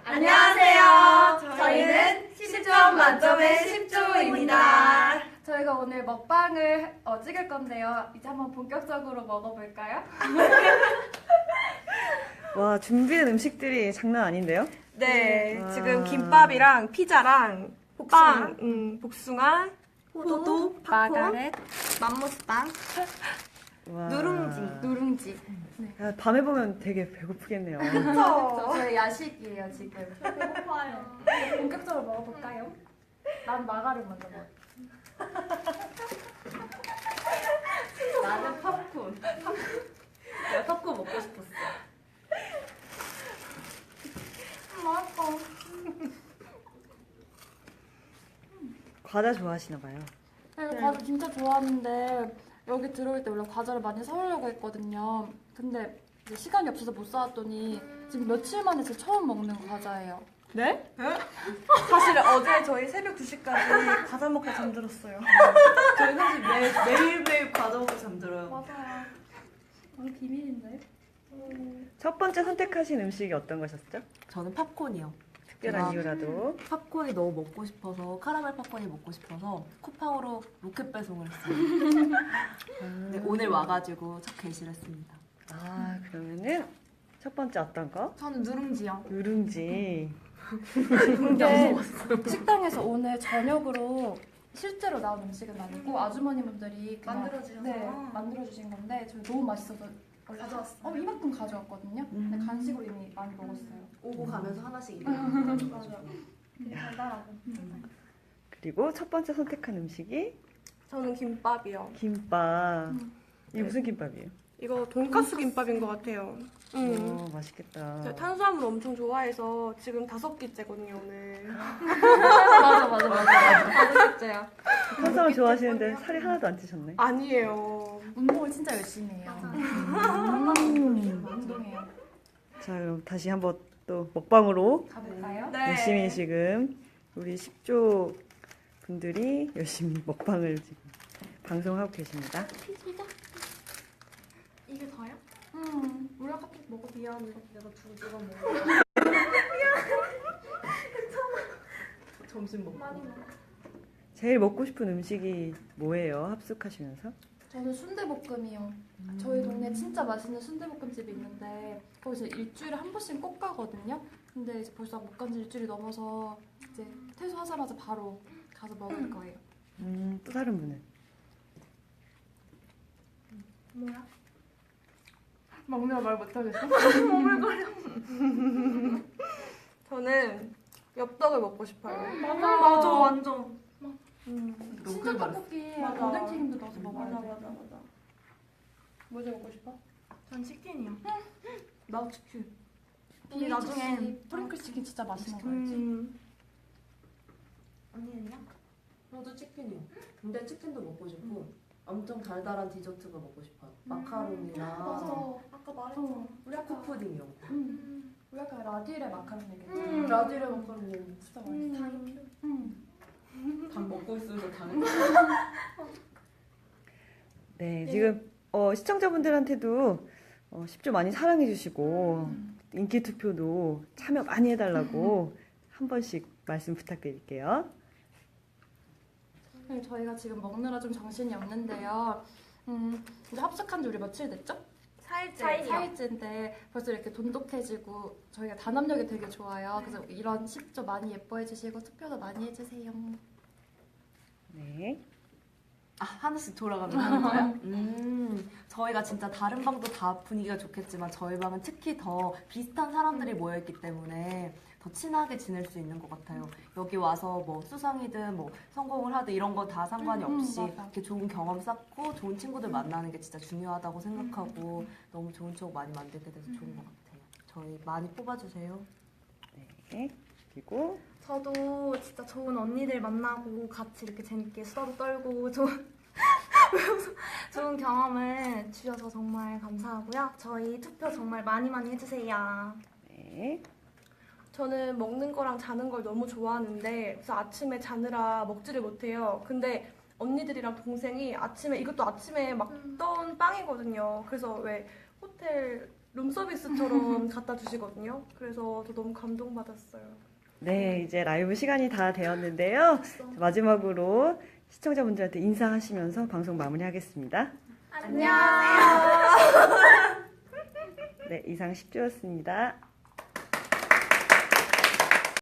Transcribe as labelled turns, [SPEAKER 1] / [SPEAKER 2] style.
[SPEAKER 1] 안녕하세요. 저희는 10점 만점의 10조입니다.
[SPEAKER 2] 저희가 오늘 먹방을 찍을 건데요. 이제 한번 본격적으로 먹어볼까요?
[SPEAKER 3] 와, 준비된 음식들이 장난 아닌데요?
[SPEAKER 1] 네,
[SPEAKER 3] 와.
[SPEAKER 1] 지금 김밥이랑 피자랑 빵, 복숭아, 포도, 팝콘,
[SPEAKER 2] 마가렛,
[SPEAKER 1] 맘모스빵,
[SPEAKER 3] 와.
[SPEAKER 2] 누룽지.
[SPEAKER 3] 야, 밤에 보면 되게 배고프겠네요.
[SPEAKER 2] 그쵸? 저희 야식이에요, 지금. 배고파요. 본격적으로 먹어볼까요? 난 마가렛 먼저 먹어. 나는 팝콘. 내가 팝콘 먹고 싶었어. 맛있어.
[SPEAKER 3] 과자 좋아하시나 봐요.
[SPEAKER 2] 네, 과자 진짜 좋아하는데 여기 들어올 때 원래 과자를 많이 사오려고 했거든요. 근데 이제 시간이 없어서 못 사왔더니 지금 며칠 만에 제 처음 먹는 과자예요.
[SPEAKER 1] 네? 사실 어제 저희 새벽 2시까지 과자 먹고 잠들었어요.
[SPEAKER 4] 저희 사실 매일매일 과자 먹고 잠들어요.
[SPEAKER 2] 맞아요. 오늘 비밀인데?
[SPEAKER 3] 첫 번째 선택하신 음식이 어떤 것이었죠?
[SPEAKER 4] 저는 팝콘이요.
[SPEAKER 3] 특별한 이유라도.
[SPEAKER 4] 팝콘이 너무 먹고 싶어서 카라멜 팝콘이 먹고 싶어서 쿠팡으로 로켓 배송을 했어요. 네, 오늘 와가지고 첫 게시를 했습니다.
[SPEAKER 3] 아, 그러면은 첫 번째 어떤 거?
[SPEAKER 2] 저는 누룽지요.
[SPEAKER 3] 누룽지.
[SPEAKER 2] 근데 식당에서 오늘 저녁으로 실제로 나온 음식은 아니고 아주머니분들이 그냥
[SPEAKER 1] 만들어주셔서?
[SPEAKER 2] 만들어주신 건데 저희 너무 맛있어서 원래
[SPEAKER 1] 가져왔어요.
[SPEAKER 2] 이만큼 가져왔거든요. 근데 간식으로 이미 많이 먹었어요.
[SPEAKER 4] 오고 가면서 하나씩 입에
[SPEAKER 2] 달달하고.
[SPEAKER 3] 그리고 첫 번째 선택한 음식이
[SPEAKER 1] 저는 김밥이요.
[SPEAKER 3] 김밥. 이게 무슨 김밥이에요?
[SPEAKER 1] 이거 돈가스 김밥인 것 같아요.
[SPEAKER 3] 맛있겠다.
[SPEAKER 1] 제가 탄수화물 엄청 좋아해서 지금 5끼째거든요, 오늘.
[SPEAKER 2] 맞아. 진짜요.
[SPEAKER 3] 탄수화물 좋아하시는데 살이 하나도 안 찌셨네.
[SPEAKER 1] 아니에요.
[SPEAKER 2] 운동을 진짜 열심히 해요. 운동해요.
[SPEAKER 3] 자, 그럼 다시 한번 또 먹방으로
[SPEAKER 2] 가볼까요?
[SPEAKER 1] 네.
[SPEAKER 3] 열심히 지금 우리 10조 분들이 열심히 먹방을 지금 방송하고 계십니다.
[SPEAKER 1] 이게 다요?
[SPEAKER 2] 우리 아까 먹어.
[SPEAKER 1] 미안해.
[SPEAKER 4] 내가 두 조각 먹어. 점심 먹고.
[SPEAKER 3] 제일 먹고 싶은 음식이 뭐예요? 합숙하시면서?
[SPEAKER 2] 저는 순대볶음이요. 저희 동네 진짜 맛있는 순대볶음집이 있는데 거기서 일주일에 한 번씩 꼭 가거든요. 근데 이제 벌써 못 간 지 일주일이 넘어서 이제 퇴소하자마자 바로 가서 먹을 거예요.
[SPEAKER 3] 또 다른 분은?
[SPEAKER 1] 뭐야?
[SPEAKER 2] 먹느라 말 못하겠어?
[SPEAKER 1] 저는 엽떡을 먹고 싶어요.
[SPEAKER 2] 맞아.
[SPEAKER 1] 완전.
[SPEAKER 2] 진짜 떡볶이에
[SPEAKER 1] 맞아.
[SPEAKER 2] 오뎅튀김도 넣어서 먹어야 돼.
[SPEAKER 1] 맞아.
[SPEAKER 2] 뭐 먹고 싶어?
[SPEAKER 1] 전 치킨이요.
[SPEAKER 4] 나 치킨.
[SPEAKER 1] 근데 나중에
[SPEAKER 2] 프링클 치킨 진짜 맛있는 거 알지?
[SPEAKER 1] 언니는요?
[SPEAKER 4] 나도 치킨이요. 근데 치킨도 먹고 싶고 엄청 달달한 디저트가 먹고 싶어요. 마카롱이나
[SPEAKER 1] 아까 말했잖아.
[SPEAKER 2] 우리 아까
[SPEAKER 4] 초코푸딩이요.
[SPEAKER 2] 우리 아까 라디레 마카롱 얘기했잖아.
[SPEAKER 4] 라디레 마카롱
[SPEAKER 2] 진짜 맛있어.
[SPEAKER 4] 당 먹고 있으면서 당.
[SPEAKER 3] 네, 지금 시청자분들한테도 10조 많이 사랑해주시고 인기 투표도 참여 많이 해달라고 한 번씩 말씀 부탁드릴게요.
[SPEAKER 2] 네, 저희가 지금 먹느라 좀 정신이 없는데요. 이제 합숙한 지 우리 며칠 됐죠? 4일째인데 벌써 이렇게 돈독해지고 저희가 단합력이 되게 좋아요. 그래서 이런 10조 많이 예뻐해 주시고 투표도 많이 해주세요.
[SPEAKER 3] 네.
[SPEAKER 4] 아, 하나씩 돌아가면 하는 거예요? 저희가 진짜 다른 방도 다 분위기가 좋겠지만 저희 방은 특히 더 비슷한 사람들이 모여있기 때문에 더 친하게 지낼 수 있는 것 같아요. 여기 와서 뭐 수상이든 뭐 성공을 하든 이런 거 다 상관이 없이
[SPEAKER 2] 맞아.
[SPEAKER 4] 이렇게 좋은 경험 쌓고 좋은 친구들 만나는 게 진짜 중요하다고 생각하고 너무 좋은 추억 많이 만들게 돼서 좋은 것 같아요. 저희 많이 뽑아주세요.
[SPEAKER 3] 네. 그리고
[SPEAKER 5] 저도 진짜 좋은 언니들 만나고 같이 이렇게 재밌게 수다도 떨고 좋은 경험을 주셔서 정말 감사하고요. 저희 투표 정말 많이 해주세요.
[SPEAKER 3] 네.
[SPEAKER 1] 저는 먹는 거랑 자는 걸 너무 좋아하는데 그래서 아침에 자느라 먹지를 못해요. 근데 언니들이랑 동생이 아침에 이것도 아침에 막 떠온 빵이거든요. 그래서 왜 호텔 룸서비스처럼 갖다 주시거든요. 그래서 저 너무 감동받았어요.
[SPEAKER 3] 네, 이제 라이브 시간이 다 되었는데요. 마지막으로 시청자분들한테 인사하시면서 방송 마무리하겠습니다.
[SPEAKER 5] 안녕하세요.
[SPEAKER 3] 네, 이상 10주였습니다.